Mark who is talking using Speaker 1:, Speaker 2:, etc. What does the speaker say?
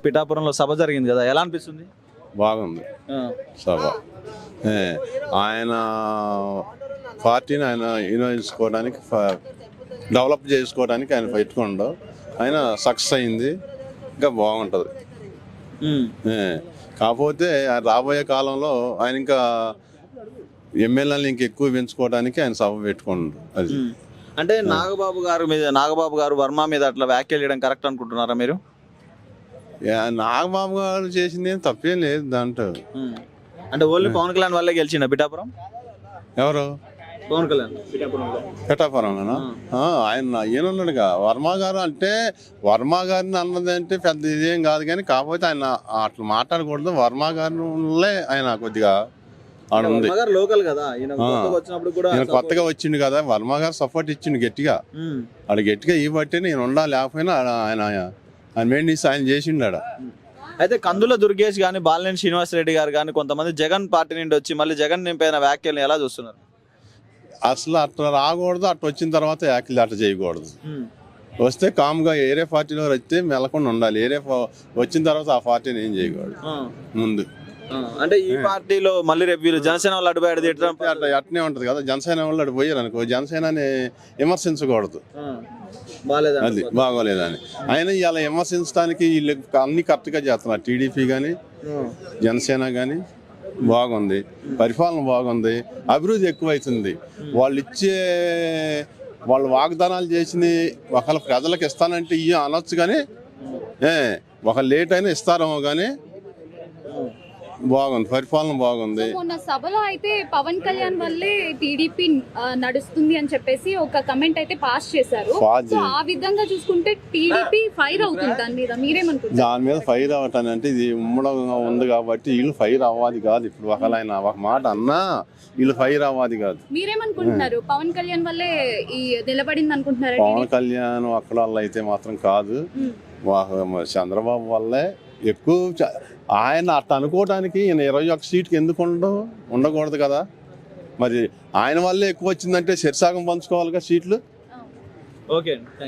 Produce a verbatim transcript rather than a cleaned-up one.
Speaker 1: పిఠాపురంలో సభ జరిగింది కదా, ఎలా అనిపిస్తుంది?
Speaker 2: బాగుంది సభ. ఆయన పార్టీని ఆయన వినియోగించుకోవడానికి, డెవలప్ చేసుకోవడానికి ఆయన పెట్టుకుండవు. ఆయన సక్సెస్ అయింది, ఇంకా బాగుంటుంది. కాకపోతే రాబోయే కాలంలో ఆయన ఇంకా ఎమ్మెల్యేలు ఇంకా ఎక్కువ పెంచుకోవడానికి ఆయన సభ పెట్టుకుండు. అది
Speaker 1: అంటే నాగబాబు గారు మీద నాగబాబు గారు వర్మ మీద అట్లా వ్యాఖ్యలు చేయడం కరెక్ట్ అనుకుంటున్నారా మీరు?
Speaker 2: నాగబాబు గారు చేసింది ఏం తప్పేం లేదు దాంట్లో.
Speaker 1: అంటే ఓన్లీ పవన్ కళ్యాణ్ వల్లే గెలిచిండ పిఠాపురం?
Speaker 2: ఎవరు?
Speaker 1: పవన్ కళ్యాణ్
Speaker 2: పిఠాపురంలోనా? ఆయన ఈయనున్నాడుగా వర్మ గారు. అంటే వర్మ గారిని అన్నది అంటే పెద్ద ఇదేం కాదు, కానీ కాకపోతే ఆయన అట్లా మాట్లాడకూడదు. వర్మ గారిలో ఆయన కొద్దిగా ఉంది.
Speaker 1: లోకల్ కదా, ఈయన
Speaker 2: కొత్తగా వచ్చిండు కదా, వర్మ గారు సపోర్ట్ ఇచ్చిండు గట్టిగా. ఆడ గట్టిగా ఈ బట్టి నేను ఉండా, లేకపోయినా ఆయన ఆయన మెయింటెన్స్ ఆయన చేసిండు ఆడ.
Speaker 1: అయితే కందుల దుర్గేష్ గానీ, బాలినేని శ్రీనివాస్ రెడ్డి గారు కానీ కొంతమంది జగన్ పార్టీ నుండి వచ్చి మళ్ళీ జగన్ నింపైన వ్యాఖ్యలను ఎలా చూస్తున్నారు?
Speaker 2: అసలు అట్లా రాకూడదు, అట్లా వచ్చిన తర్వాత వ్యాఖ్యలు అట్లా చేయకూడదు. వస్తే కామ్గా ఏరే పార్టీలో వస్తే మెలకుండా ఉండాలి. ఏరే వచ్చిన తర్వాత ఆ పార్టీని ఏం చేయకూడదు ముందు.
Speaker 1: అంటే ఈ పార్టీలో మళ్ళీ రేపు వీళ్ళు జనసేన వాళ్ళు అడ్డుపోయాడు
Speaker 2: అట్లా అట్నే ఉంటది కదా. జనసేన వాళ్ళు అటు పోయారు అనుకో, జనసేనని విమర్శించకూడదు, అది బాగోలేదని. ఆయన ఇలా విమర్శించడానికి వీళ్ళు అన్ని కరెక్ట్గా చేస్తున్నారు. టీడీపీ కానీ జనసేన కానీ బాగుంది, పరిపాలన బాగుంది, అభివృద్ధి ఎక్కువైతుంది. వాళ్ళు ఇచ్చే వాళ్ళు వాగ్దానాలు చేసింది ఒకళ్ళ ప్రజలకు ఇస్తానంటే ఇవి అనొచ్చు, కానీ ఏ ఒక లేట్ అయినా ఇస్తారేమో, కానీ బాగుంది, పరిపాలన బాగుంది.
Speaker 3: మొన్న సభలో అయితే పవన్ కళ్యాణ్ వల్లే టీడీపీ నడుస్తుంది అని చెప్పేసి ఒక కమెంట్ అయితే పాస్ చేశారు. ఆ విధంగా చూసుకుంటే టీడీపీ ఫైర్ అవుతుంది దాని మీద, మీరేమనుకుంటారు?
Speaker 2: దాని మీద ఫైర్ అవ్వటాన్ని అంటే ఇది ఉమ్మడంగా ఉంది కాబట్టి వీళ్ళు ఫైర్ అవ్వాలి కాదు. ఇప్పుడు ఒకళ్ళు ఆయన ఒక మాట అన్నా వీళ్ళు ఫైర్ అవ్వాలి కాదు.
Speaker 3: మీరేమనుకుంటున్నారు? పవన్ కళ్యాణ్ వల్లే ఈ నిలబడింది అనుకుంటున్నారు?
Speaker 2: పవన్ కళ్యాణ్ అక్కడ వల్ల అయితే మాత్రం కాదు, చంద్రబాబు వల్లే ఎక్కువ. ఆయన అట్లా అనుకోవడానికి ఈయన ఇరవై ఒక్క సీట్కి ఎందుకు ఉండవు ఉండకూడదు కదా. మరి ఆయన వల్లే ఎక్కువ వచ్చిందంటే శరిసాగం పంచుకోవాలిగా సీట్లు.
Speaker 1: ఓకే.